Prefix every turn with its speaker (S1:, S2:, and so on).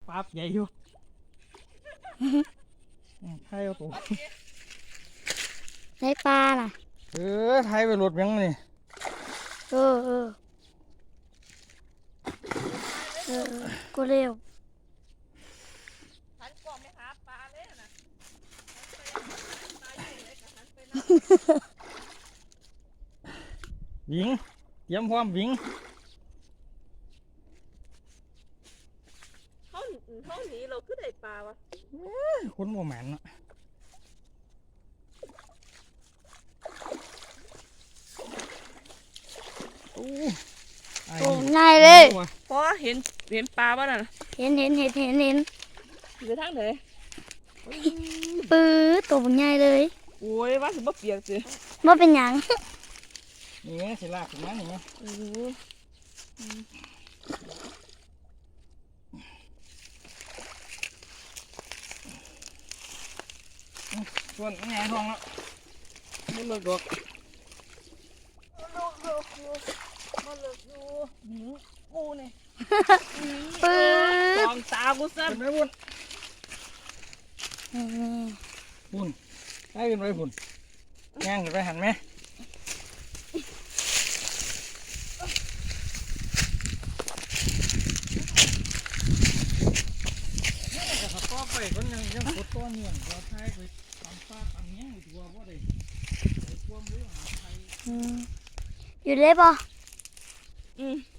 S1: ปั๊บใหญ่อยู่ไทยเอาตัว
S2: ได้ปลาล่ะ
S1: ไทยไปรถยังนี่
S2: เออกูเร็ว
S3: หันกล่องไปหาปลาเลยนะ
S1: วิ่งเตรียมพร้อมวิ่ง
S3: เขาหนีเราคือได้ปลาวะ
S1: คนโมแมนเนาะโอ้ไอ้
S2: โอ้ง่ายเลย
S3: เพราะเห็นปลาบ้าน่ะ
S2: เห็น
S3: อยู่ทางไหน
S2: ปื้อตัวง่ายเลย
S3: โอ้ยว่าสิบ่เปียกสิ
S2: ว่าเป็นหยัง
S1: นี่ไงสิลากถึงนั้นนี่ไง
S3: โอ้โห
S1: ส่วนไงห้องแล้วไม่เลิกดอก
S3: มาเลิกอยู่หนิงกูเนี่ย
S2: ปื้อ
S3: ตองตากูสั้น
S1: เป็นไหมบุญบุญได้เป็นไรบุญย่างขึ้นไปหันไหมแต่เขาก็ไปคนยังกดต้นเนี่ยเราใช้ไปตามฟ้าตามเงี้ยตัวว่าได้ไปควมรู้หาไทย
S2: อยู่เลยป่ะ
S3: อืม